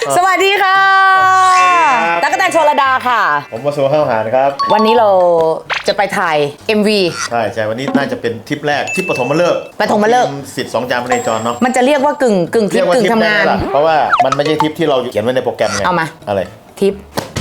สวัสดีค่ะตั๊กแตนชลดาค่ะผมวสุข้าวหารครับวันนี้เราจะไปถ่าย MV ใช่วันนี้น่าจะเป็นทริปแรกทริปปฐมฤกษ์สิทธิ์2 จานพเนจรเนาะมันจะเรียกว่ากึ่งทริปกึ่งทำงานเพราะว่ามันไม่ใช่ทริปที่เราเขียนไว้ในโปรแกรมไงเอามาอะไรทริป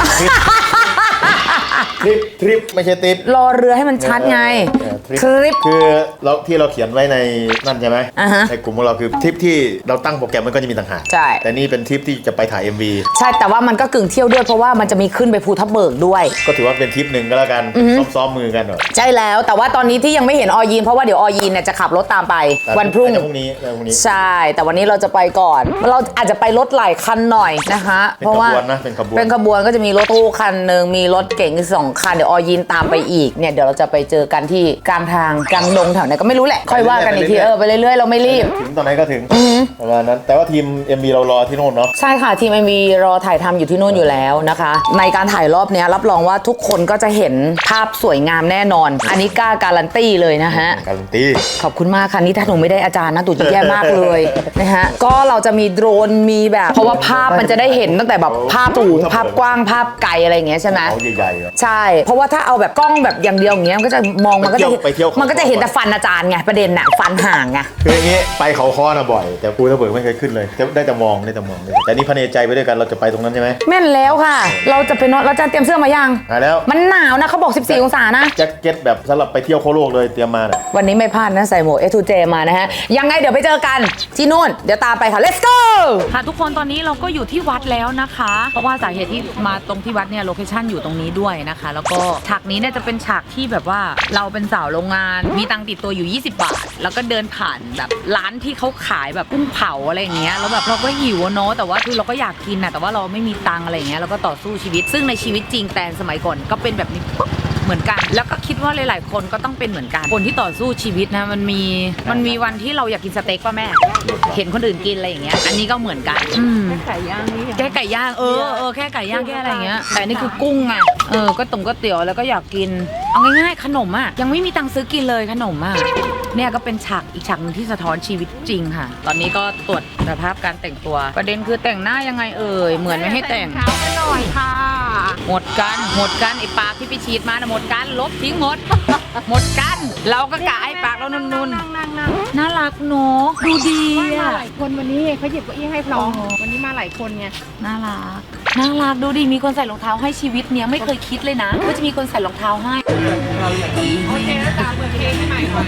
ทริปไม่ใช่ทริปรอเรือให้มันชัดไงทริปคือเราที่เราเขียนไว้ในนั่นใช่ไหมในกลุ่มของเราคือทริปที่เราตั้งโปรแกรมมันก็จะมีต่างหากใช่แต่นี่เป็นทริปที่จะไปถ่าย MV ใช่แต่ว่ามันก็กึ่งเที่ยวด้วยเพราะว่ามันจะมีขึ้นไปภูทับเบิกด้วยก็ถือว่าเป็นทริปหนึ่งก็แล้วกันซ้อมมือกันหน่อยใช่แล้วแต่ว่าตอนนี้ที่ยังไม่เห็นอยีนเพราะว่าเดี๋ยวอยีนเนี่ยจะขับรถตามไปวันพรุ่งนี้ใช่แต่วันนี้เราจะไปก่อนเราอาจจะไปรถหลายคันหน่อยนะคะเพราะว่าเป็นขบวนก็จะมีรถตู้คันหนึ่งมีรถเก๋ง2 คันเดี๋ยวอยีนตามไปอีกเนี่ยเดี๋ยวเราจะไปเจอกันที่กลางทางกลางดงแถวไหนก็ไม่รู้แหละค่อยว่ากันอีกทีไปเรื่อยๆเราไม่รีบถึงตอนไหนก็ถึงประมาณนั้นแต่ว่าทีม MV เรารอที่โน่นเนาะใช่ค่ะทีม MV รอถ่ายทำอยู่ที่โน่นอยู่แล้วนะคะในการถ่ายรอบนี้รับรองว่าทุกคนก็จะเห็นภาพสวยงามแน่นอนอันนี้กล้าการันตีเลยนะฮะการันตีขอบคุณมากค่ะนี่ถ้าหนูไม่ได้อาจารย์นะตู่จะแย่มากเลยนะฮะก็เราจะมีโดรนมีแบบเพราะว่าภาพมันจะได้เห็นตั้งแต่แบบภาพสูงภาพกว้างภาพไกลอะไรอย่างเงี้ยใช่ไหมใหญ่ๆใช่เพราะว่าถ้าเอาแบบกล้องแบบอย่างเดียวอย่างเงี้ยมันก็จะมองมันก็จะเห็นแต่ฟันอาจารย์ไงประเด็นน่ะฟันห่างไงคืออย่างงี้ไปเขาค้อนะบ่อยแต่ภูทับเบิกไม่เคยขึ้นเลยได้แต่มองแต่นี่พเนใจไปด้วยกันเราจะไปตรงนั้นใช่ไหมแม่นแล้วค่ะเราจะไปนอนเราจะเตรียมเสื้อมายังแล้วมันหนาวนะเขาบอก14 องศานะแจ็คเก็ตแบบสำหรับไปเที่ยวโคโลกเลยเตรียมมาเนี่ยวันนี้ไม่พลาดนะใส่หมวก A2J มานะฮะยังไงเดี๋ยวไปเจอกันที่นู่นเดี๋ยวตามไปค่ะ let's go ค่ะทุกคนตอนนี้เราก็อยู่ที่วัดแล้วนะคะเพราะว่าสาเหตุที่มาตรงที่วัดเนี่ยโลเคชั่นอยู่ตรงนี้ด้วยนะคะแล้วก็ฉากนี้เนี่ยจะเป็นฉากที่แบบว่าเราเป็นสาวโรงงานมีตังค์ติดตัวอยู่20 บาทแล้วก็เดินผ่านแบบร้านที่เขาขายแบบกุ้งเผาอะไรอย่างเงี้ยแล้วแบบเราก็หิวเนาะแต่ว่าคือเราก็อยากกินนะแต่ว่าเราไม่มีตังค์อะไรอย่างเงี้ยเราก็ต่อสู้ชีวิตซึ่งในชีวิตจริงแต่สมัยก่อนก็เป็นแบบนี้เหมือนกันแล้วก็คิดว่าหลายๆคนก็ต้องเป็นเหมือนกันคนที่ต่อสู้ชีวิตนะมันมีวันที่เราอยากกินสเต็กป่ะแม่เห็นคนอื่นกินอะไรอย่างเงี้ยอันนี้ก็เหมือนกันแค่ไก่ย่างนี่แค่ไก่ย่างแค่ไก่ย่างแค่อะไรอย่างเงี้ยแต่นี่คือกุ้งไงก็ตุ๋มก็เตี๋ยวแล้วก็อยากกินเอาง่ายๆขนมอ่ะยังไม่มีตังค์ซื้อกินเลยขนมอ่ะเนี่ยก็เป็นฉากอีกฉากนึงที่สะท้อนชีวิตจริงค่ะตอนนี้ก็ตรวจสภาพการแต่งตัวประเด็นคือแต่งหน้ายังไงเหมือนไม่ให้แต่งเท้ากันหน่อยค่ะหมดกันไอ้ปากที่ไปฉีดมานะหมดกันลบทิ้งหมดกันเราก็กะไอ้ปากเรานุ่นน่ารักเนาะดูดีมาหลายคนวันนี้เขาหยิบเก้าอี้ให้พร้อมวันนี้มาหลายคนไงน่ารักดูดีมีคนใส่รองเท้าให้ชีวิตเนี้ยไม่เคยคิดเลยนะว่าจะมีคนใส่รองเท้าให้โอเคแล้วตามเปิดเพลงให้ใหม่ก่อน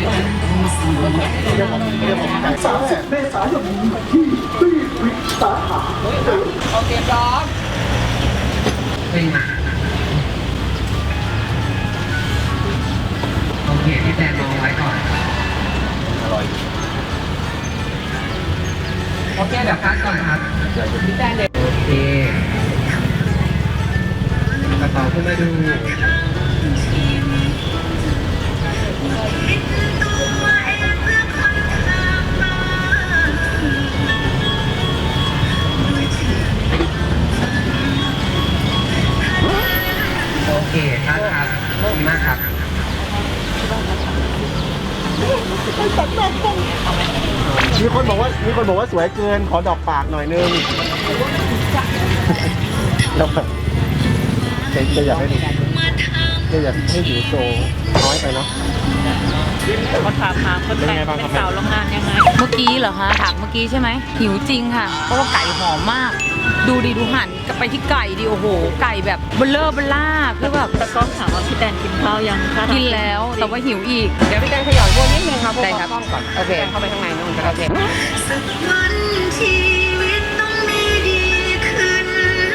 30 เมษายนนี้ที่ที่วิสาขาโอเคพร้อมโอเคพี่แตนมองไว้ก่อนอร่อยโอเคเดี๋ยวคัดก่อนครับพี่แตนเด็กโอเคกระเป๋าขึ้นมาดูโอเคครับดีมากครับมีคนบอกว่าสวยเกินขอดอกปากหน่อยนึงจะอยากให้ดูจะอยากให้ดูโชว์น้อยไปเนาะเขาถามคนแต่งเป็นสาวโรงงานยังไงเมื่อกี้เหรอคะถามเมื่อกี้ใช่ไหมหิวจริงค่ะเพราะว่าไก่หอมมากดูหันไปที่ไก่ดิโอ้โหไก่แบบเบลล่าคือแบบตะก้องถามว่าพี่แตนกินข้าวยังคะกินแล้วแต่ว่าหิวอีกเดี๋ยวพี่แตนขยับพวกนิดนึงครับได้ครับก่อนโอเคเข้าไปข้างในนู่นก็ได้สักวันชีวิตต้องมีดีขึ้น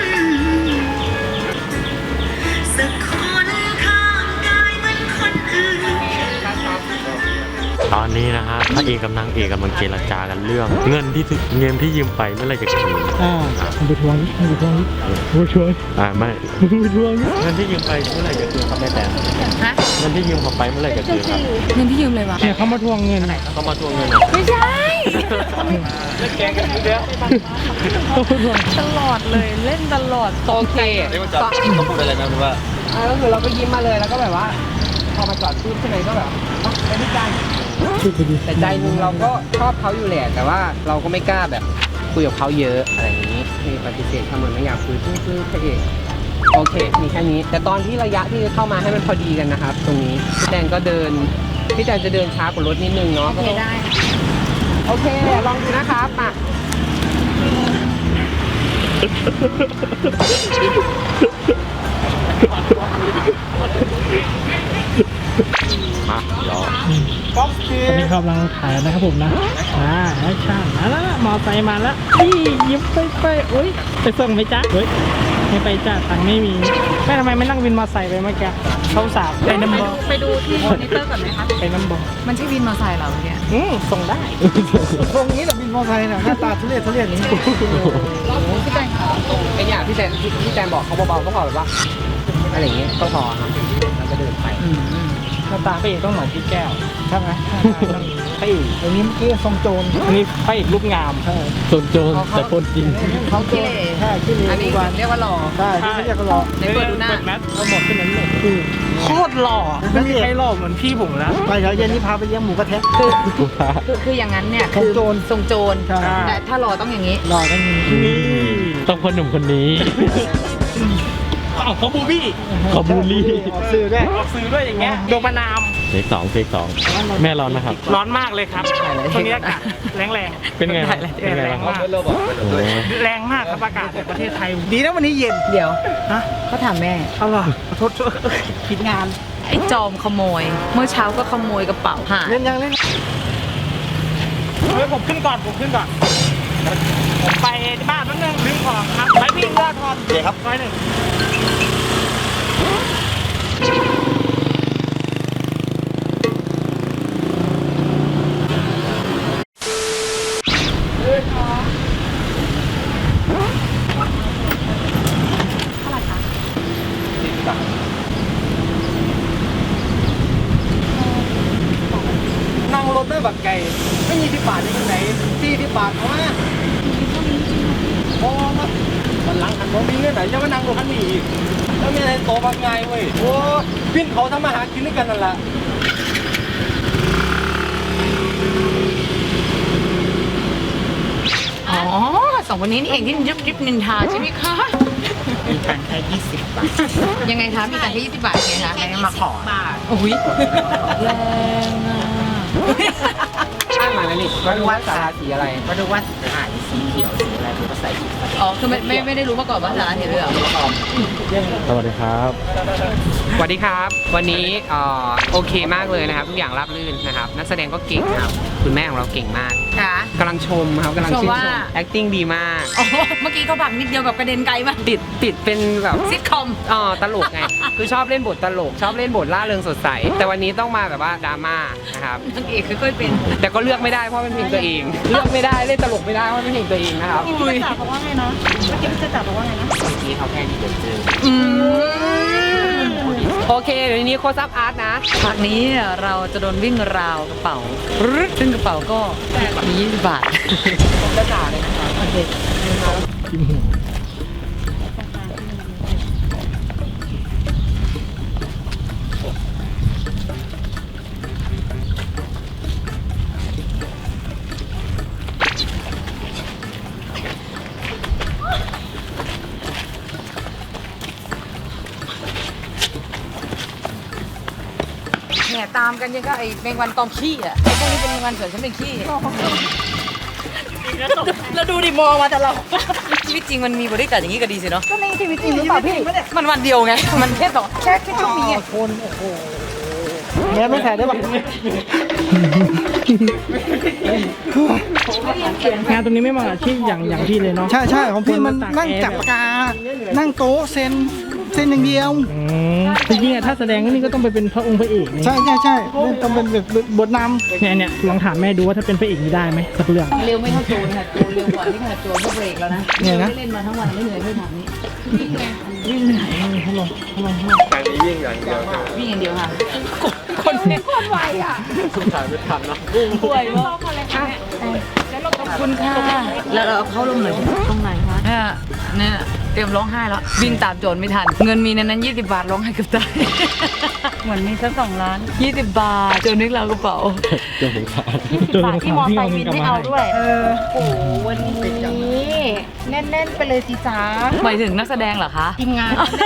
สักคนข้างกายเหมือนคนอื่นตอนนี้นะฮะพระเอกกับนางเอกกำลังเจรจากันเรื่องเงินที่ยืมไปเมื่อไรจะคืนไปทวงนี่ไม่ไม่ไปทวงเงินที่ยืมไปเมื่อไรจะคืนครับแม่แต่เงินที่ยืมเขาไปเมื่อไรจะคืนครับเงินที่ยืมเลยวะเนี่ยเขามาทวงเงินเขามาทวงเงินไม่ใช่เล่นแกงกันอยู่แล้วเขาทวงตลอดเลยเล่นตลอดโอเคเขาพูดอะไรนะหรือว่าก็คือเราก็ยิ้มมาเลยแล้วก็แบบว่าพอมาจอดปุ๊บใช่ไหมก็แบบไปที่ใจแต่ใจนึงเราก็ชอบเขาอยู่แหละแต่ว่าเราก็ไม่กล้าแบบคุยกับเขาเยอะอะไรอย่างนี้นี่ปฏิเสธทำเหมือนไม่อยากคุยคือพระเอกโอเคมีแค่นี้แต่ตอนที่ระยะที่เข้ามาให้มันพอดีกันนะครับตรงนี้พี่แตนก็เดินพี่แตนจะเดินช้ากว่ารถนิดนึงเนาะโอเคได้โอเคลองดูนะครับมามาเดี๋ยวก๊อฟซีตอนนี้กำลังถ่ายนะครับผมนะแอคชั่นแล้วมอไซค์มาแล้วนี่ยิ้มไปอุ้ยไปส่งไหมจ๊ะเฮ้ยไม่ไปจ้ะตังค์ไม่มีแม่ทำไมไม่นั่งวินมอไซค์ไปเมื่อกี้เขาสาวไปน้ำบอไปดูที่มอนิเตอร์ก่อนไหมคะไปน้ำบอมันใช่วินมอเตอร์ไซค์เหรอเนี่ยส่งได้ตรงนี้แต่บินมอไซค์น่ะหน้าตาทุเรศอย่างนี้พี่แตงค่ะไอ้เนี่ยพี่แตนบอกเขาเบาๆก็พอแบบว่าอะไรอย่างเงี้ยก็พอครับแล้วก็เดินไปหน้าตาพระเอกต้องเหมือนพี่แก้วใช่ไหมพระเอกอันนี้เมื่อกี้ทรงโจรอันนี้พระเอกรูปงามทรงโจรแต่คนจริงเขาเกลใช่ที่นี่อันนี้เรียกว่าหล่อใช่ที่ไม่เรียกก็รอในเปิดดูหน้าแมสเอาหมดขึ้นนั้นเลยโคตรหล่อไม่มีใครหล่อเหมือนพี่ผมแล้วไปเดี๋ยวเย็นนี้พาไปเลี้ยงหมูกระทะคืออย่างนั้นเนี่ยทรงโจรทรงโจรใช่แต่ถ้าหล่อต้องอย่างนี้รอได้ยินนี่ต้องคนหนุ่มคนนี้อ้าวเขาบูบี้ขอบูลลี่ออกสื่อด้วยออกซื้อด้วยอย่างเงี้ยโดนประนามเทคสองแม่ร้อนนะครับร้อนมากเลยครับช่วงนี้อากาศแรงเป็นไงบ้างเป็นไงแรบ้าง งมากโอ้โหแรงมากครับอากาศในประเทศไทยดีนะวันนี้เย็นเดี๋ยวฮะเขาถามแม่เอาล่ะขอโทษผิดงานไอ้จอมขโมย เมื่อเช้าก็ขโมยกระเป๋าหายเล่นยังเล่นเฮ้ยผมขึ้นก่อนผมไปที่บ้านแป๊บนึงลืมของครับไปพี่เลือดทอนเดี๋ยวครับ101นั่งรถด้วยบักไก่ไม่มีที่บาทในไหนที่บาทเพราะว่าพอมาวันหลังหันผมมีเงื่อนไหนจะมานั่งรถคันนี้อีกแล้วมีอะไรโตบางไงเว้ยโอ้พี่เขาทำมาหากินด้วยกันนั่นแหละอ๋อสองคนนี้นี่เองที่ยุบนินทาใช่ไหมคะมีตังค์แค่20 บาทยังไงคะมีแต่แค่20 บาทไงคะแค่มาขอโอ้ยแรงอ่ะข้างหลังนั่นนี่มาดูว่าสาราสีอะไรมาดูว่าถ่ายสีเขียวสีอะไรผมก็ใส่สีอ๋อคือไม่ได้รู้มาก่อนว่าสาระเห็นเลยเหรอสวัสดีครับสวัสดีครับวันนี้โอเคมากเลยนะครับทุกอย่างราบรื่นนะครับนักแสดงก็เก่งครับคุณแม่ของเราเก่งมากค่ะกำลังชมครับกำลังชื่นชมว่าชม acting ดีมากอ๋อเมื่อกี้เขาผลักนิดเดียวแบบกระเด็นไกลมากติดเป็นแบบซิทคอมตลกไง คือชอบเล่นบทตลก ชอบเล่นบทล่าเริงสดใส แต่วันนี้ต้องมาแบบว่าดราม่านะครับนางเอกค่อยๆเป็นแต่ก็เลือกไม่ได้เพราะเป็นเพลงตัวเอง เลือกไม่ได้เล่นตลกไม่ได้เพราะเป็นเพลงตัวเองนะครับพี่จ๋าบอกว่าไงนะเมื่อกี้พี่จ๋าบอกว่าไงนะที่เขาแค่นี้เจออืมโอเคเดี๋ยวนี้โคซับอาร์ตนะฉากนี้เนี่ยเราจะโดนวิ่งราวกระเป๋าซึ่งกระเป๋าก็มี20 บาทผมจะด่าเลยนะครับโอเคแห่ตามกันยังก็ไอ้แมงวันตอมขี้อ่ะไอ้พวกนี้เป็นแมงวันส่วนฉันเป็นขี้แล้วดูดิมองมาแต่เราชีวิตจริงมันมีบริการอย่างนี้ก็ดีสิเนาะก็ในชีวิตจริงหรือเปล่าพี่มันวันเดียวไงมันแค่ช่วงนี้ไงแม่ไม่แพ้ได้ป่ะงานตรงนี้ไม่เหมาะกับอาชีพอย่างพี่เลยเนาะใช่ของพี่มันนั่งจับปากกา นั่งโต๊ะเซ็นอย่างเดียวจริงๆอะถ้าแสดงนี่ก็ต้องไปเป็นพระองค์พระเอกนี่ใช่เล่นต้องเป็นแบบบทนเนี่ยลองถามแม่ดูว่าถ้าเป็นพระเอกนี่ได้ไหมสักเรื่องเร็วไม่เท่าโจรค่ะโจรเร็วกว่าที่ขนาดโจรก็เบรกแล้วนะเล่นมาทั้งวันไม่เหนื่อยไม่ถามนี้วิ่งไงวิ่งเหนื่อยฮัลโหลวิ่งอย่างเดียวค่ะคนเนี่ยโคตรไวอ่ะป่วยมากขอบคุณค่ะแล้วเราเข้าลงหน่อยตรงไหนคะเนี่ยเตรียมร้องไห้แล้ววิ่งตามโจรไม่ทันเงินมีในนั้น20 บาทร้องไห้เกือบตายเหมือนมีสัก2 ล้าน20 บาทโจรนึกเรากระเป๋า 20 บาทที่มอไซค์วินไม่เอาด้วยโอ้โหวันนี้แน่นๆไปเลยสิจ้าหมายถึงนักแสดงเหรอคะทีมงาน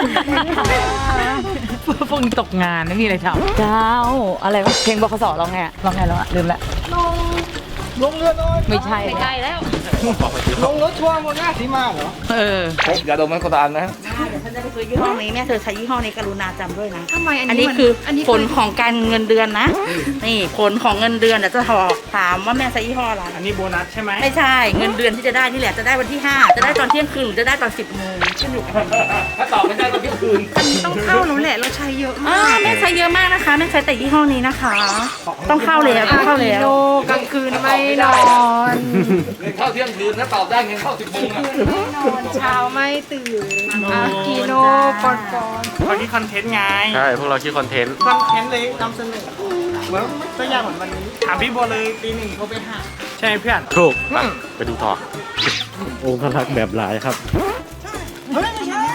พวกนี้ตกงานไม่มีอะไรทำเจ้าอะไรวะเพลงบคสร้องไงร้องไงแล้วอะลืมละลงเรือน้อยไม่ใช่ไม่ใช่แล้วลงรถทัวร์หมดหน้าสีมาเหรอเอออย่าดมมันก็ตามนะยี่ห้อนี้แม่เธอใช้ยี่ห้อนี้กรุณาจำด้วยนะทำไมอันนี้คือผลของการเงินเดือนนะ นี่ผลของเงินเดือนเดี๋ยวจะถามว่าแม่ใช้ยี่ห้ออะไรอันนี้โบนัสใช่ไหมไม่ใช่เงินเดือนที่จะได้นี่แหละจะได้วันที่ 5 จะได้ตอนเที่ยงคืนหรือจะได้ตอน 10 โมงขึ้นอยู่กับถ้าตอบไม่ได้ก็ที่คืนต้องเข้าแล้วแหละเราใช้เยอะมากแม่ใช้เยอะมากนะคะแม่ใช้แต่ยี่ห้อนี้นะคะ ต้องเข้าแล้วต้องเข้าแล้วโลกลางคืนไม่นอนเงินเข้าเที่ยงคืนถ้าตอบได้เงินเข้า10 โมงอ่ะเช้าไม่ตื่นกิโลก่อนวันนี้คอนเทนต์ไงใช่พวกเราคิดคอนเทนต์คอนเทนต์เลยนำเสนอเหมือนตัวอย่างเหมือนวันนี้ถามพี่บัวเลยตีหนึ่งเขาไปหาใช่เพื่อนถูกไปดูต่อองค์รักแบบหลายครับเฮ้ยไม่ใช่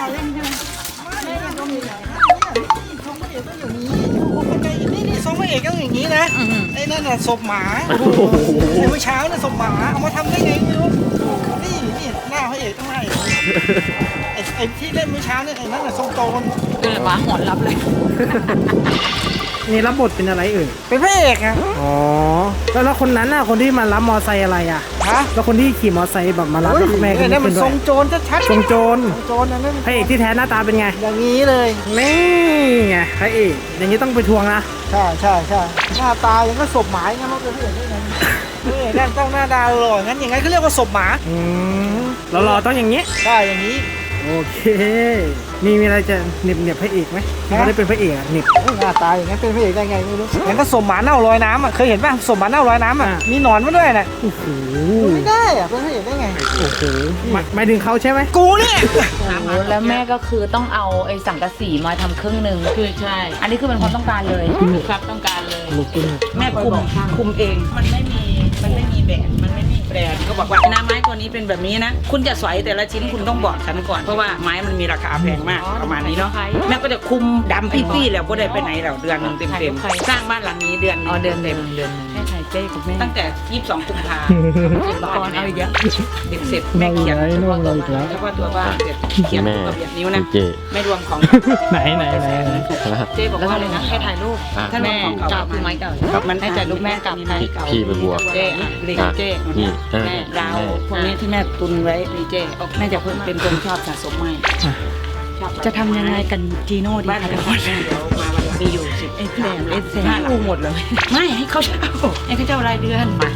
นี่ทรงพระเอกต้องอย่างนี้นะไอ้นั่นน่ะศพหมาเมื่อเช้าน่ะศพหมาเอามาทำได้ไงไม่รู้นี่หน้าพระเอกต้องหน้าเอกไอ้ที่เล่นเมื่อเช้าเนี่ยไอ้นั่นน่ะทรงโจรเดินมาหอนรับเลยนี่รับบทเป็นอะไรเอ่ยเป็นพระเอกอะอ๋อ แล้วคนนั้นน่ะ คนที่มารับมอไซค์อะไรอ่ะฮะแล้วคนที่ขี่มอไซค์แบบมารับแล้วแม่ก็นั่นเป็มัน นด้ทวรยงโจรชัดๆทรงโจรโจรนั่นพระเอกที่แท้หน้าตาเป็นไงอย่างนี้เลยนี่ไงพระเอกอย่างนี้ต้องไปทวงนะใช่หน้าตายังก็ศพหมาอย่างนั้นเราเป็นพระเอกได้ไงพระเอกนั่นต้องหน้าตาหล่องั้นอย่างนั้นเขาเรียกว่าศพหมาอืมเรารอต้องอย่างนี้ใช่อย่างนี้โอเค มีอะไรจะเหน็บพระเอกไหมที่เขาได้เป็นพระเอกอะเหน็บหน้าตาอย่างนั้นเป็นพระเอกได้ไงไม่รู้งั้นก็ศพหมาเน่าลอยน้ำอ่ะเคยเห็นป่ะศพหมาเน่าลอยน้ำอ่ะมีหนอนมาด้วยน่ะโอ้โหไม่ได้อ่ะเป็นพระเอกได้ไงโอ้โหหมายถึงเขาใช่ไหมกูเนี่ยแล้วแม่ก็คือต้องเอาไอ้สังกะสีมาทำครึ่งหนึ่งคือใช่ อันนี้คือเป็นความต้องการเลยครับต้องการเลยลูกคุณแม่คุมเอง มันไม่มีแบบมันไม่มีแบรนด์ก็บอกว่าน้ำไม้ตัวนี้เป็นแบบนี้นะ คุณจะสอยแต่ละชิ้นคุณต้องบอกฉันก่อนเพราะว่าไม้มันมีราคาแพงมากประมาณนี้เนาะแม่ก็จะคุมดำปี้ๆแล้วก็ได้ไปไหนแล้วเดือนหนึงเต็มๆสร้างบ้านหลังนี้เดือนหอ๋อนึงเดือนเต็เต็มมเดือนหนึ่งแม่ถ่ายเจ๊กับแม่ตั้งแต่22 กุมภาละครเอาอีกแล้วเสร็จแม่เขียนน้องเราอีกแล้วแล้วก็ตัวบ้านเสร็จเขียนแม่ตัวเบียดนิ้วนะเจไม่รวมของไหนเจ๊บอกว่าเลยนะให้ถ่ายรูปอ่ะถ้ารวแม่มของกลัเก่าบคือไม้เก่ามันให้ถ่ายรูปแม่กับไม้เก่าพี่ไปบวกเจ๊หลิงเจ๊นี่เออแม่ดาวพวกนี้ที่แม่ตุนไว้มีเจ๊แม่จะเป็นคนชอบสะสมไม้ชอบจะทำยังไงกันจีโน่ดีบ้านคะเดี๋ทุยวกคนเดี๋ยวมาวันมีอยู่10 เอสแดงเอสแดงกูหมดเลยไม่ให้เขาเช่าให้เขาเช่ารายเดือนมา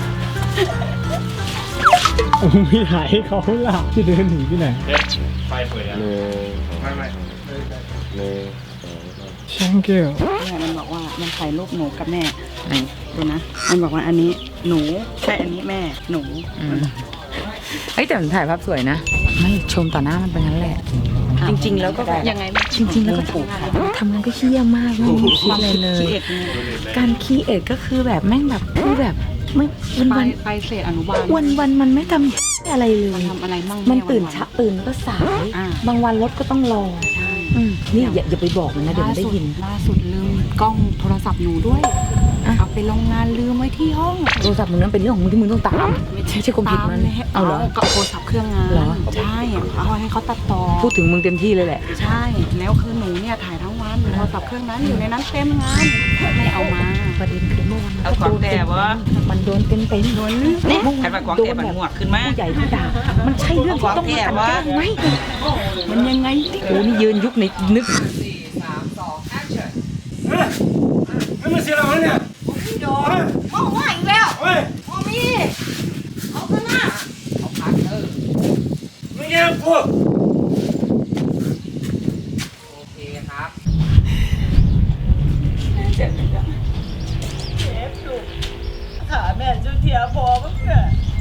ไม่ถ่ายให้เขาหลับจะเดินหนีที่ไหนไฟเปิดอ่ะหนึ่งช่างเกี่ยวเนี่ยมันบอกว่ามันถ่ายรูปหนูกับแม่ไหนดูนะมันบอกว่าอันนี้หนูใช่อันนี้แม่หนูเฮ้ยแต่มันถ่ายภาพสวยนะ ไม่ชมต่อหน้ามันเป็นงั้นแหละจริงๆแล้วก็ยังไงจริงๆแล้วก็ทำงานก็เฮี้ยมากไม่มีคิดอะไรเลยขี้เอ็ดไงการคีเอทก็คือแบบแม่งแบบคือแบบไม่วันไปเศษอนุบาลวันมันไม่ทำอะไรเลยทำอะไรมั่งมันตื่นเช้าตื่นก็สายอ่าบางวันรถก็ต้องรอใช่นี่อย่าไปบอกมันนะเดี๋ยวมันได้ยินล่าสุดลืมกล้องโทรศัพท์หนูด้วยอ่ะเอาไปโรงงานลืมไว้ที่ห้องโทรศัพท์มึงนั้นเป็นเรื่องของมึงที่มึงต้องตามไม่ใช่ความผิดมันเอาเอาเหรอก็โทรศัพท์เครื่องงานเหรอใช่เอาให้เขาตัดต่อพูดถึงมึงเต็มที่เลยแหละใช่แล้วคือหนูเนี่ยถ่ายทั้งวันโทรศัพท์เครื่องนั้นอยู่ในนั้นเต็มงานไม่เอามาประเด็นคือเมื่อวานเอาของแต่วะมันโดนเต็มโดนนี่ใครมาของแต่มันหมวกขึ้นมาผู้ใหญ่ที่ด่ามันใช่เรื่องที่ต้องมากันแกล้งไหมมันยังไงที่โอ้นี่ยืนยุคในนึกไม่มาเสียเราเนี่ยเอาว่าอีกแล้วเอามีเอาขึ้นมาไม่เงี้ยพวกโอเคครับขาแม่จุดเทียพอมั้งเนี่ย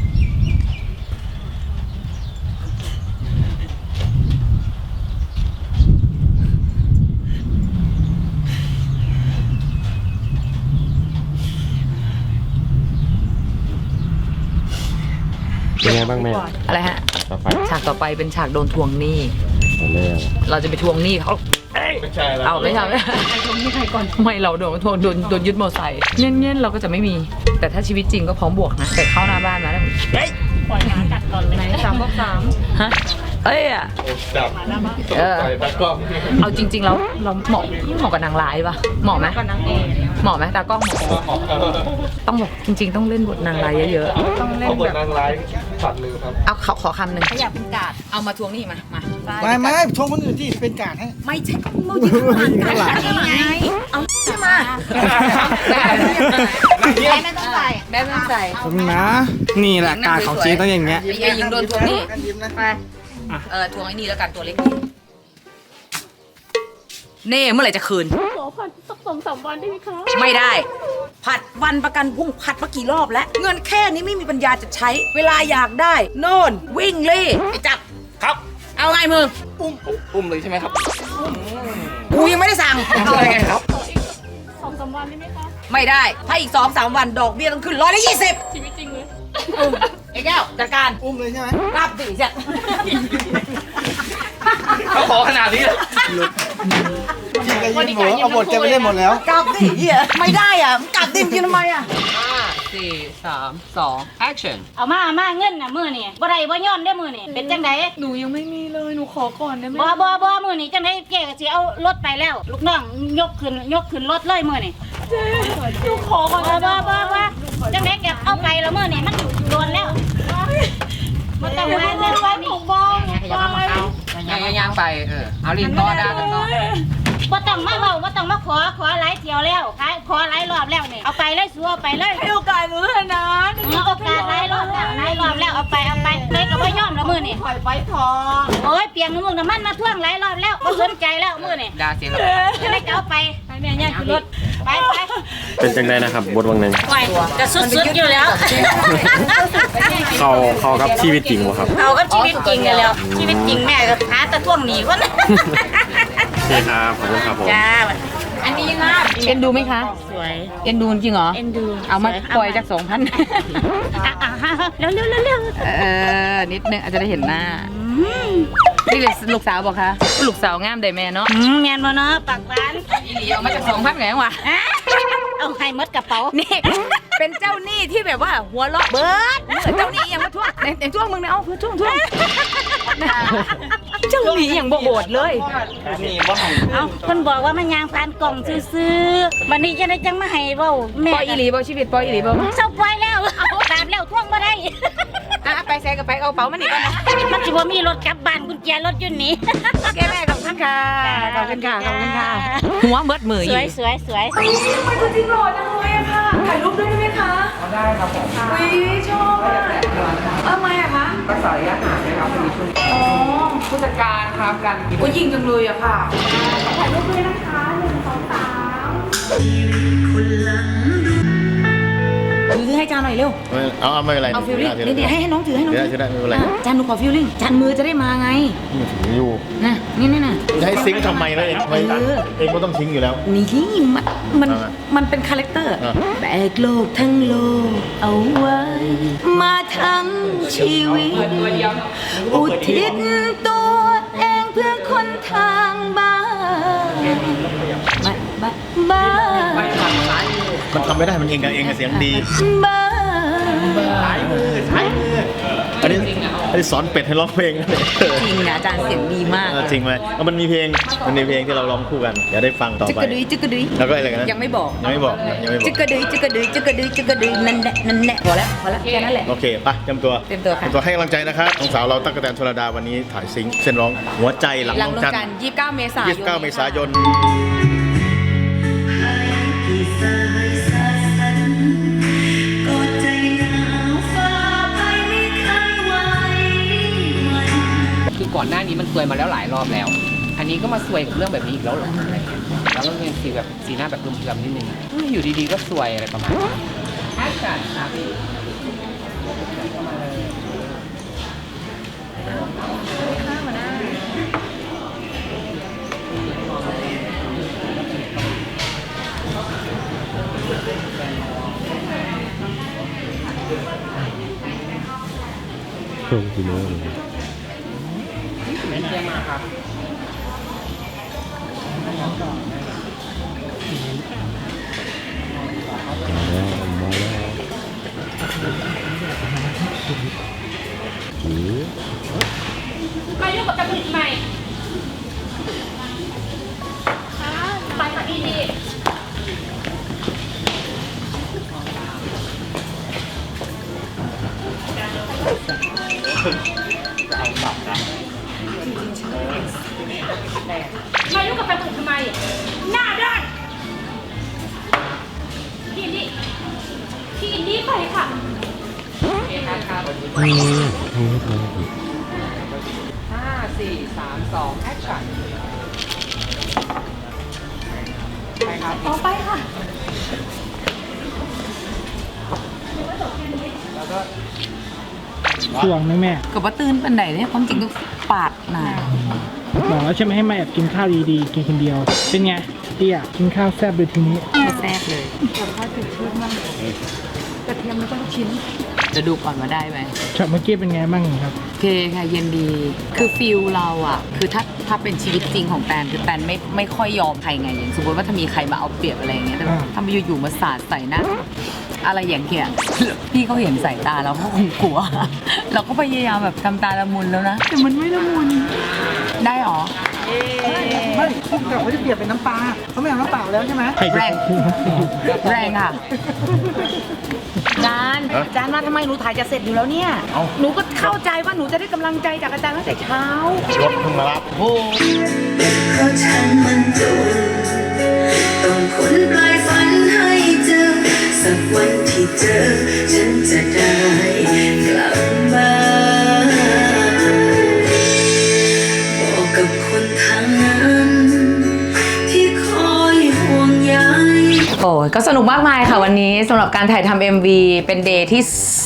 เป็นไงบ้างแม่อะไรฮะต่อไปฉากต่อไปเป็นฉากโดนทวงหนี้เอาแล้วเราจะไปทวงหนี้เขาไม่ใช่แล้วเอาไม่ใช่ใครทวงหนี้ใครก่อนไม่เราโดนทวงโดนยึดมอเตอร์ไซค์เงี้ยเราก็จะไม่มี แต่ถ้าชีวิตจริงก็พร้อมบวกนะ แต่เข้าหน้าบ้านมาแล้วเฮ้ยปล่อยหมากัดก่อนเลยไหน3 บวก 3ฮะเอ้ยอะจับใส่ตากล้องเอาจริงๆแล้วเราเหมาะกับนางร้ายปะเหมาะไหมกับนางเอกเหมาะไหมตากล้องเหมาะต้องบอกจริงๆต้องเล่นบทนางร้ายเยอะๆต้องเล่นแบบนางร้ายฝันเลยครับเอาขอคำหนึ่งอยากเป็นกาดเอามาทวงนี่มาไม่ชมคนอื่นที่เป็นการให้ไม่ใช่โมยิงข้างหลังไงเอาใช่มาแม่ไม่ต้องใส่แม่ไม่ต้องใส่ผมนะ นี่แหละการของจริงต้องอย่างเงี้ยไอ้ยิงโดนทวงนี่ไปทวงไอ้นี่แล้วกันตัวเล็กนี่เน่เมื่อไหร่จะคืนขอผัดสัก2-3 วันได้ไหมคะไม่ได้ผัดวันประกันพรุ่งผัดมากี่รอบแล้วเงินแค่นี้ไม่มีปัญญาจะใช้เวลาอยากได้โน่นวิ่งเล่ไอ้จับครับเอาไงมึงอุ้มเลยใช่ไหมครับกูยังไม่ได้สั่งเอาไงครับ2-3 วันได้ไหมคะไม่ได้ถ้าอีก2-3 วันดอกเบี้ยต้องขึ้น120ชีวิตจริงเลยไอ้แก้วจัดการอุ้มเลยใช่ไหมรับสิจ้ะเขาขอขนาดนี้เลยพี่ก็ยืนหมูเอาบทแกไปเล่นหมดแล้วกลับดิเหี้ยไม่ได้อ่ะกลับดิมกินทำไมอ่ะ 4 3 2 action เอามาเงินน่ะมื้อนี่บ่ได้บ่ย้อนได้มื้อนี่เป็นจังได๋หนูยังไม่มีเลยหนูขอก่อนได้ไหมบ่มื้อนี่จังได๋เจ๊ก็สิเอารถไปแล้ว ลูกน้องยกขึ้นรถเลยมื้อนี่เจ๊หนูขอก่อนบ่จังได๋แกเอาไปแล้วมื้อนี่มันโดนแล้วบ่ต้องมาเล่นว่านี่บ่ย่างไปเอาลิ้นต่อได้กันต่อบ่ต้องมาเว้าบ่ต้องมาขอหลายเที่ยวแล้วขอหลายรอบแล้วนี่เอาไปเลยสู้เอาไปเลยให้โอกาสหนูเถอะนะโอกาสหลายรอบแล้วเอาไปเลยก็บ่ยอมแล้วมื้อนี่ปล่อยไปพอโอ้ยเปียงมึงน้ำมันมาท่วงหลายรอบแล้วบ่สนใจแล้วมื้อนี่ดาเสียแล้วจะได้เอาไปแม่ย่างขึ้นรถไปเป็นจังได้นะครับบทวังหนึ่งจะสุดๆอยู่แล้วเขากับชีวิตจริงวะครับเอาก็ชีวิตจริงกันแล้วชีวิตจริงแม่ก็หาตะท่วงหนีวะโอเคครับขอบคุณครับผมจ้าอันนี้นะเอ็นดูไหมคะสวยเอ็นดูจริงเหรอเอ็นดูเอามาปล่อยจาก2,000 เร็วนิดนึงอาจจะได้เห็นหน้านี่เลยลูกสาวบอกคะลูกสาวงามได้แม่เนาะแม่นบ่เนาะปากร้านอีหลีเอามาจาก2,000ไงวะเอาให้มดกระเป๋านี่เป็นเจ้าหนี้ที่แบบว่าหัวเราะเบิร์ดเจ้าหนี้ยังมาท่วงในท่วงมึงนะเอาเพื่อท่วงเจ้าหนี้ยังบ่โหดเลยเอาคนบอกว่ามันยางผ่านกล่องซื้อวันนี้จะได้จังมาให้เว้าแม่ปล่อยอีหลีบ่ชีวิตปล่อยอีหลีบ่เศร้าปล่อยแล้วตามแล้วท่วงบ่ได้ไปแซกับไปเอาเป๋ามันนี่ก่อนนะมันสิบ่มีรถกลับบ้านกุญแจรถอยู่นี่แกแม่ขอบคุณค่ะขอบคุณค่ะหัวเบิดมืออยู่สวยทำไมตัวจริงหล่อจังเลยอะค่ะถ่ายรูปด้วยได้ไหมคะได้ครับผมอุ้ยชอบทำไมอะคะภาษาระยะห่างนะครับเป็นชุดผู้จัดการครับกันโอ้ยิงจังเลยอะค่ะถ่ายรูปด้วยนะคะ1 2 3ถือให้จานหน่อยเร็วเอาไม่เป็นไรเอาฟิลลิ่งนี่ให้น้องถือให้น้องถือได้ไม่เป็นไรจานหนูขอฟิลลิ่งจานมือจะได้มาไงถืออยู่นะนี่นะจะให้ซิงค์ทำไมนะเองก็ต้องซิงค์อยู่แล้วนี่มันเป็นคาแรคเตอร์แบกโลกทั้งโลกเอาไว้มาทั้งชีวิตอุทิศตัวเองเพื่อคนทางบ้านมันทำไม่ได้มันเองกับเองกับเสียงดีสายมืออันนี้สอนเป็ดให้ร้องเพลงจริงนะอาจารย์เสียงดีมากจริงไหมมันมีเพลงที่เราร้องคู่กันเดี๋ยวได้ฟังต่อไปจึกกระดุยแล้วก็อะไรกันนะยังไม่บอกจึกกระดุยนั่นแหละพอแล้วแค่นั้นแหละโอเคไปเตรียมตัวค่ะให้กำลังใจนะครับน้องสาวเราตั๊กแตนชลดาวันนี้ถ่ายซิงค์เส้นร้องหัวใจหลังน้องจัน 29 เมษายนคือก่อนหน้านี้มันซวยมาแล้วหลายรอบแล้วอันนี้ก็มาซวยกับเรื่องแบบนี้อีกแล้วหรอแล้วก็เป็นสีหน้าแบบเดิมๆนิดนึงอยู่ดีๆก็ซวยอะไรประมาณนี้แอคชั่นครับพี่เครื่องกินเลยเป็นเยี่ยมมากครับมาแล้วมายุ่งกับกระปุกใหม่ไปค่ะพี่ดีมายุ่งกับกระปุกทำไมหน้าด้านพี่อินดี้ไปค่ะ 5 4 3 2 action ไปครับต่อไปค่ะแล้วก็ช่วงไหมแม่กับว่าตื่นปันไหนเนี่ยความจริงก็ปาดหนาบอกแล้วใช่ไหมให้มาแอบกินข้าวดีๆ กินคนเดียว เป็นไงเตี้ยกินข้าวแซ่บเลยทีนี้ไม่แซ่บเลยกระเทียมแล้วก็ลูกชิ้น จะดูก่อนว่าได้ไหมช็อตเมื่อกี้เป็นไงบ้างครับโอเคค่ะเย็นดี คือฟิลเราอะคือถ้าเป็นชีวิตจริงของแตนคือแตนไม่ค่อยยอมใครไงอย่างสมมติว่าถ้ามีใครมาเอาเปรียบอะไรอย่างเงี้ยแต่ถ้ามาอยู่ๆมาสาดใส่หน้าอะไรอย่างเงี้ยพี่เขาเห็นสายตาเราเขาคงกลัว เราก็พยายามแบบทำตาละมุนแล้วนะแต่มันไม่ละมุนได้หรอไม่พุ่งกลับเขาจะเปลี่ยนเป็นน้ำปลาเขาไม่เอาน้ำเปล่าแล้วใช่ไหมแรงค่ะจานว่าทำไมหนูถ่ายจะเสร็จอยู่แล้วเนี่ยหนูก็เข้าใจว่าหนูจะได้กำลังใจจากอาจารย์ตั้งแต่เช้ารถเพิ่งมารับโอ้เพราะฉันมันต้องคนปลายฝันให้เจอสักวันที่เจอฉันจะได้กลับบ้านบอกกับคนทางนั้นที่คอยห่วงใยโอ้ยก็สนุกมากมายค่ะวันนี้สำหรับการถ่ายทำ MV เป็นเดย์ที่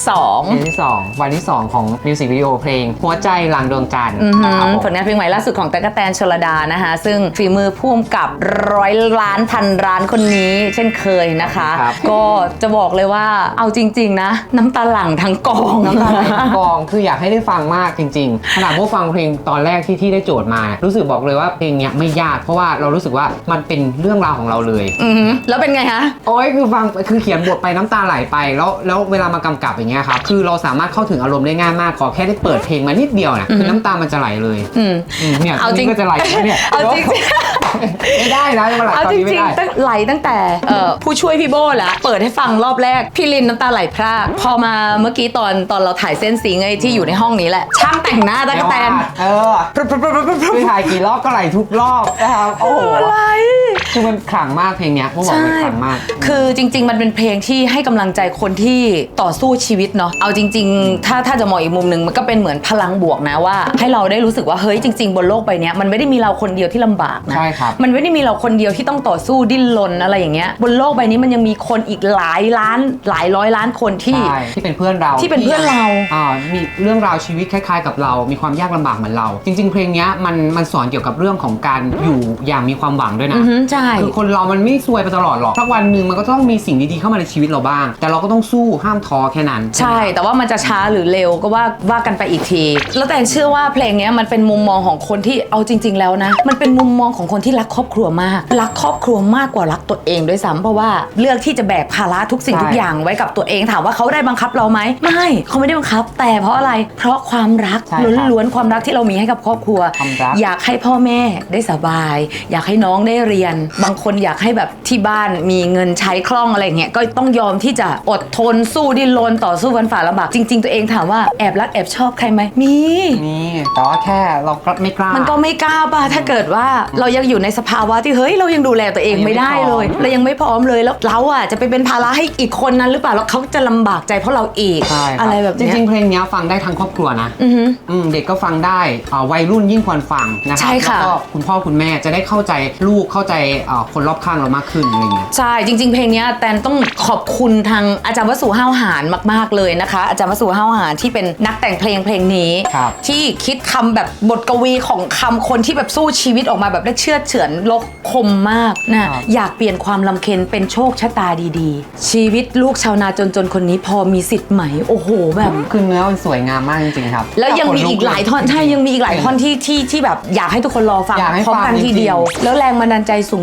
2 วันที่ 2 วันที่ 2 ของมิวสิกวิดีโอเพลงหัวใจหลังดวงจันทร์นะครับผมผลงานเพลงใหม่ล่าสุดของตั๊กแตนชลดานะคะซึ่งฝีมือพ่วงกับ100 ล้านพันล้านคนนี้เช่นเคยนะคะ ก็จะบอกเลยว่าเอาจริงๆนะน้ำตาหลั่งทั้งกองน้ำตาไหลทั้งกองคืออยากให้ได้ฟังมากจริงๆขนาดพวกฟังเพลงตอนแรกที่ได้โจทย์มารู้สึกบอกเลยว่าเพลงเนี้ยไม่ยากเพราะว่าเรารู้สึกว่ามันเป็นเรื่องราวของเราเลยแล้วเป็นไงคะโอ้ยคือฟังคือเขียนบทไปน้ำตาไหลไปแล้วเวลามากำกับอย่างเงี้ยครับคือเราสามารถเข้าถึงอารมณ์ได้ง่ายมากขอแค่ได้เปิดเพลงมานิดเดียวนะคือน้ำตามันจะไหลเลยเนี่ยเอาจริงก็จะไหลเนี่ยเอาจริงไม่ได้นะมาไหลเอาตอนจนี้ไม่ริงได้ๆไหลตั้งแต่ผู้ช่วยพี่โบ้แล้วเปิดให้ฟังรอบแรกพี่ลินน้ำตาไหลพรากพอมาเมื่อกี้ตอนเราถ่ายเส้นสีไงที่อยู่ในห้องนี้แหละช่างแต่งหน้าตั๊กแตนคือถ่ายกี่รอบก็ไหลทุกรอบนะครับโอ้โหคือมันขลังมากเพลงเนี้ยพวกบอกมันขลังมากคือจริงๆมันเป็นเพลงที่ให้กำลังใจคนที่ต่อสู้ชีวิตเนาะเอาจริงๆถ้าจะมองอีกมุมนึงมันก็เป็นเหมือนพลังบวกนะว่าให้เราได้รู้สึกว่าเฮ้ยจริงๆบนโลกใบนี้มันไม่ได้มีเราคนเดียวที่ลำบากนะใช่ครับมันไม่ได้มีเราคนเดียวที่ต้องต่อสู้ดิ้นรนอะไรอย่างเงี้ยบนโลกใบนี้มันยังมีคนอีกหลายร้อยล้านคนที่เป็นเพื่อนเรามีเรื่องราวชีวิตคล้ายๆกับเรามีความยากลำบากเหมือนเราจริงๆเพลงเนี้ยมันสอนเกี่ยวกับเรื่องของการอยู่อย่างมีความหวังด้วยนะใช่คือคนเรามันไม่ซวยไปตลอดหรอกสักวันหนึ่งมันก็ต้องมีสิ่งดีๆเข้ามาในชีวิตเราบ้างแต่เราก็ต้องสู้ห้ามท้อแค่นั้นใช่แต่ว่ามันจะช้าหรือเร็วก็ว่ากันไปอีกทีแล้วแต่เชื่อว่าเพลงนี้มันเป็นมุมมองของคนที่เอาจริงๆแล้วนะมันเป็นมุมมองของคนที่รักครอบครัวมากรักครอบครัวมากกว่ารักตัวเองด้วยซ้ำเพราะว่าเลือกที่จะแบกภาระทุกสิ่งทุกอย่างไว้กับตัวเองถามว่าเขาได้บังคับเราไหมไม่เขาไม่ได้บังคับแต่เพราะอะไรเพราะความรักล้วนๆความรักที่เรามีให้กับครอบครัวอยากให้พ่อแม่ได้สบายอยากให้น้องได้เรียนบางคนอยากให้แบบที่บ้านมีเงินใช้คล่องอะไรเงี้ยก็ต้องยอมที่จะอดทนสู้ดิ้นรนต่อสู้ฟันฝ่าลำบากจริงๆตัวเองถามว่าแอบรักแอบชอบใครไหมมีแต่ว่าแค่เราไม่กล้ามันก็ไม่กล้าป่ะถ้าเกิดว่าเรายังอยู่ในสภาวะที่เฮ้ยเรายังดูแลตัวเองไม่ได้เลยเรายังไม่พร้อมเลยแล้วเราอ่ะจะไปเป็นภาระให้อีกคนนั้นหรือเปล่าแล้วเขาจะลำบากใจเพราะเราอีกอะไรแบบนี้จริงๆเพลงนี้ฟังได้ทั้งครอบครัวนะเด็กก็ฟังได้วัยรุ่นยิ่งควรฟังนะครับแล้วก็คุณพ่อคุณแม่จะได้เข้าใจลูกเข้าใจคนรอบข้างเรามากขึ้นอะไรเงี้ยใช่จริงๆเพลงนี้แตนต้องขอบคุณทางอาจารย์วสุห้าวหาญมากๆเลยนะคะอาจารย์วสุห้าวหาญที่เป็นนักแต่งเพลงนี้ที่คิดคำแบบบทกวีของคำคนที่แบบสู้ชีวิตออกมาแบบได้เชื่อเฉือนลกคมมากนะอยากเปลี่ยนความลำเค็ญเป็นโชคชะตาดีๆชีวิตลูกชาวนาจนๆคนนี้พอมีสิทธิ์ไหมโอ้โหแบบคือเนื้อมันสวยงามมากจริงๆครับแล้วยังมีอีกหลายท่อนใช่ยังมีอีกหลายท่อนที่แบบอยากให้ทุกคนรอฟังพร้อมกันทีเดียวแล้วแรงบันดาลใจสูง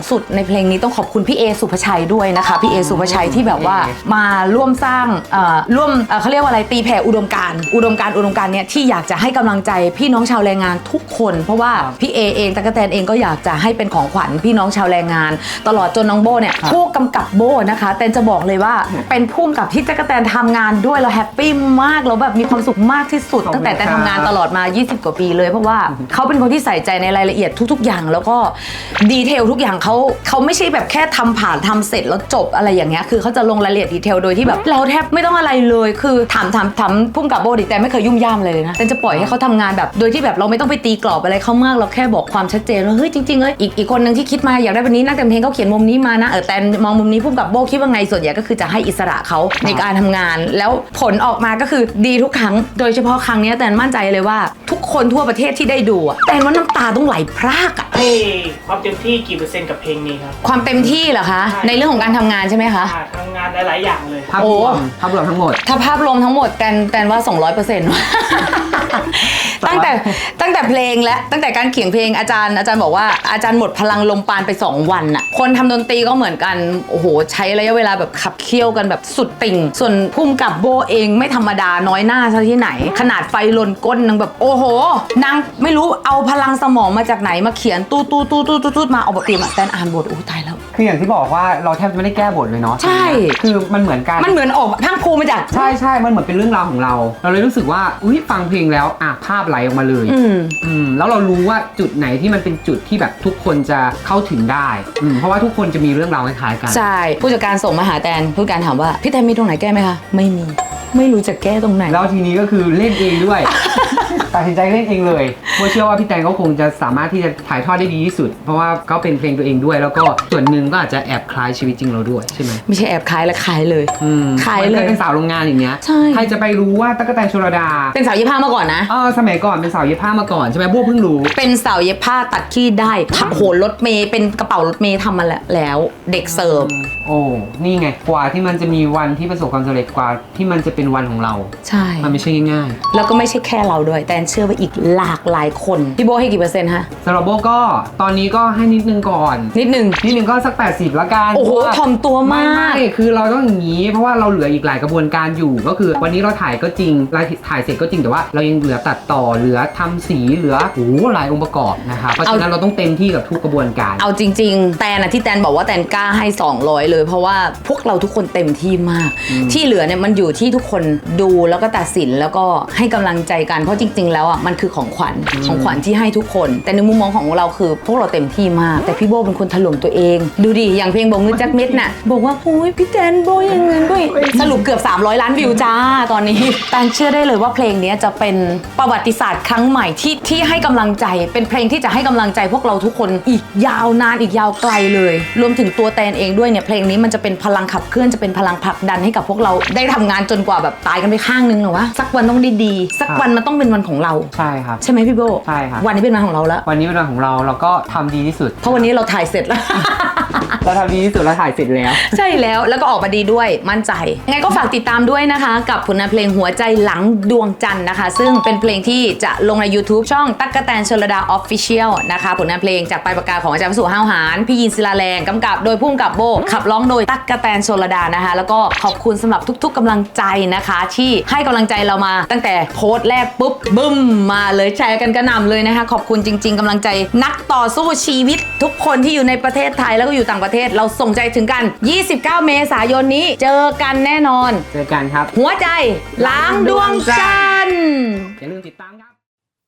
สุดในเพลงนี้ต้องขอบคุณพี่เอสุภชัยด้วยนะคะพี่เอสุภชัยที่แบบว่ามาร่วมสร้างเขาเรียกว่าอะไรตีแผ่อุดมการณ์เนี่ยที่อยากจะให้กำลังใจพี่น้องชาวแรงงานทุกคนเพราะว่าพี่เอเองตั๊กแตนเองก็อยากจะให้เป็นของขวัญพี่น้องชาวแรงงานตลอดจนน้องโบเนี่ยผู้กำกับโบนะคะแตนจะบอกเลยว่าเป็นผู้กำกับที่ตั๊กแตนทำงานด้วยเราแฮปปี้มากเราแบบมีความสุขมากที่สุดตั้งแต่แตนทำงานตลอดมา20กว่าปีเลยเพราะว่าเขาเป็นคนที่ใส่ใจในรายละเอียดทุกๆอย่างแล้วก็ดีเทลทุกอย่างเขาไม่ใช่แบบแค่ทำผ่านทำเสร็จแล้วจบอะไรอย่างเงี้ยคือเขาจะลงรายละเอียดดีเทลโดยที่แบบเราแทบไม่ต้องอะไรเลยคือถามพุ่มกับโบดิแต่ไม่เคยยุ่มย่ามเลยนะแต่จะปล่อยให้เขาทำงานแบบโดยที่แบบเราไม่ต้องไปตีกรอบอะไรเขามากเราแค่บอกความชัดเจนว่าเฮ้ยจริงๆอีกคนนึงที่คิดมาอยากได้แบบนี้นักแต่งเพลงเขาเขียนมุมนี้มานะแต่มองมุมนี้พุ่มกับโบคิดว่าไงส่วนใหญ่ก็คือจะให้อิสระเขาในการทำงานแล้วผลออกมาก็คือดีทุกครั้งโดยเฉพาะครั้งนี้แต่มั่นใจเลยว่าทุกคนทั่วประเทศที่ได้ดูแต่ว่าน้ำตาต้องไหลพรากอะให้ความเต็มที่กี่เปอร์เซ็นต์กับเพลงนี้ครับความเต็มที่เหรอคะในเรื่องของการทำงานใช่ไหมคะทำงานหลายๆอย่างเลยภาพรวมทั้งหมดถ้าภาพรวมทั้งหมดแตนว่า 200% ตั้งแต่เพลงและตั้งแต่การเขียนเพลงอาจารย์บอกว่าอาจารย์หมดพลังลมปานไป2วันน่ะคนทำดนตรีก็เหมือนกันโอ้โหใช้ระยะเวลาแบบขับเคี่ยวกันแบบสุดติ่งส่วนพุ่มกับโบเองไม่ธรรมดาน้อยหน้าซะที่ไหนขนาดไฟลนก้นนางแบบโอ้โหนางไม่รู้เอาพลังสมองมาจากไหนมาเขียนตู้มาเอาบทเตรียมแตนอ่านบทโอ้ตายแล้วคืออย่างที่บอกว่าเราแทบจะไม่ได้แก้บทเลยเนาะใช่คือมันเหมือนกันมันเหมือนออกพังภูมาจากใช่มันเหมือนเป็นเรื่องราวของเราเลยรู้สึกว่าฟังเพลงแล้วภาพไหลออกมาเลยแล้วเรารู้ว่าจุดไหนที่มันเป็นจุดที่แบบทุกคนจะเข้าถึงได้เพราะว่าทุกคนจะมีเรื่องราวคล้ายๆกันใช่ผู้จัดการส่งมาหาแตนผู้จัดการถามว่าพี่แตนมีตรงไหนแก้ไหมคะไม่รู้จะแก้ตรงไหนแล้วทีนี้ก็คือเล่นเองด้วย ตัดสินใจเล่นเองเลยเพราะเชื่อว่าพี่แตนก็คงจะสามารถที่จะถ่ายทอดได้ดีที่สุดเพราะว่าก็เป็นเพลงตัวเองด้วยแล้วก็ส่วนหนึ่งก็อาจจะแอบคล้ายชีวิตจริงเราด้วยใช่ไหมไม่ใช่แอบคล้ายและคล้ายเลยคล้ายเลยเป็นสาวโรงงานอย่างเงี้ยใครจะไปรู้ว่าตั๊กแตนชลดาเป็นสาวเย็บผ้ามาก่อนนะสมัยก่อนเป็นสาวเย็บผ้ามาก่อนใช่ไหมบัวเพิ่งรู้เป็นสาวเย็บผ้าตัดขี้ได้โหรถเมย์เป็นกระเป๋ารถเมย์ทำมาแล้วเด็กเสิร์ฟโอ้นี่ไงกว่าที่มันจะมีวันที่ประสบความสำเร็จกว่าที่มันจะเป็นวันของเราใช่มันไม่ใช่ง่ายๆแล้วก็ไม่ใช่แค่เราด้วยแต่เชื่อว่าอีกหลากหลายคนพี่โบให้กี่เปอร์เซ็นต์ฮะสำหรับโบก็ตอนนี้ก็ให้นิดนึงก่อนนิดนึงก็สัก80ละกันโอ้โหถ่อมตัวมากไม่คือเราต้องอย่างนี้เพราะว่าเราเหลืออีกหลายกระบวนการอยู่ก็คือวันนี้เราถ่ายก็จริงถ่ายเสร็จก็จริงแต่ว่าเรายังเหลือตัดต่อเหลือทำสีเหลือหลายองค์ประกอบนะคะเพราะฉะนั้นเราต้องเต็มที่กับทุกกระบวนการเอาจริงๆแต่ที่แตนบอกว่าแตนกล้าให้200เลยเพราะว่าพวกเราทุกคนเต็มที่มากที่เหลือเนี่ยมันอยู่ที่ทุกคนดูแล้วก็ตัดสินแล้วก็ให้กำลังใจกันเพราะจริงๆแล้วมันคือของขวัญที่ให้ทุกคนแต่ในมุมมองของเราคือพวกเราเต็มที่มากแต่พี่โบเป็นคนถล่มตัวเองดูดิอย่างเพลงบอกเงินจักเม็ดน่ะบอกว่าโอ้ยพี่แตนโบอย่างเงินด้วยสรุปเกือบ300 ล้านวิวจ้าตอนนี้แตนเชื่อได้เลยว่าเพลงนี้จะเป็นประวัติศาสตร์ครั้งใหม่ที่ให้กำลังใจเป็นเพลงที่จะให้กำลังใจพวกเราทุกคนอีกยาวนานอีกยาวไกลเลยรวมถึงตัวแตนเองด้วยเนี่ยเพลงนี้มันจะเป็นพลังขับเคลื่อนจะเป็นพลังผลักดันให้กับพวกเราได้ทำงานจนกว่าแบบตายกันไปข้างนึงหรอวะสักวันต้องดีสักวันมันต้องเป็นวันของเราใช่ครับใช่ไหมพี่โบใช่ครับวันนี้เป็นวันของเราแล้ววันนี้เป็นวันของเราก็ทำดีที่สุดเพราะวันนี้เราถ่ายเสร็จแล้วเราทำดีที่สุดเราถ่ายเสร็จแล้วใช่แล้วก็ออกมาดีด้วยมั่นใจยังไงก็ฝากติดตามด้วยนะคะกับผลงานเพลงหัวใจหลังดวงจันทร์นะคะซึ่งเป็นเพลงที่จะลงใน YouTube ช่องตั๊กแตนชลดา Official นะคะผลงานเพลงจากปลายปากกาของอาจารย์วสุห้าวหาญพี่ยินศิลาแรงกำกับโดยพุ่มกับโบขับร้องโดยตั๊กแตนชลดานะคะแล้วก็ขอบคุณสำหรับทุกๆกำลังใจนะคะที่ให้กำลังใจเรามาตั้งแต่โพสต์แรกปุ๊บบึ้มมาเลยแชร์กันกระหน่ำเลยนะคะขอบคุณจริงๆกำลังใจนักต่อสู้ชีวิตทุกคนที่อยู่ในประเทศไทยแล้วก็อยู่ต่างประเทศเราส่งใจถึงกัน29 เมษายนนี้เจอกันแน่นอนเจอกันครับหัวใจล้างดวงจันทร์อย่าลืมติดตามครับ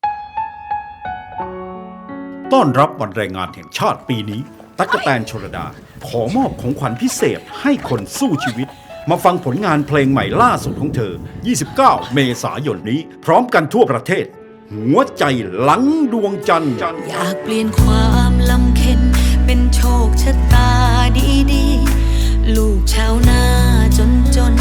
ต้อนรับวันแรงงานแห่งชาติปีนี้ตั๊กแตนชลดาขอมอบของขวัญพิเศษให้คนสู้ชีวิตมาฟังผลงานเพลงใหม่ล่าสุดของเธอ29 เมษายนนี้พร้อมกันทั่วประเทศหัวใจหลังดวงจันทร์อยากเปลี่ยนความลำเค็ญเป็นโชคชะตาดีๆลูกชาวนาจน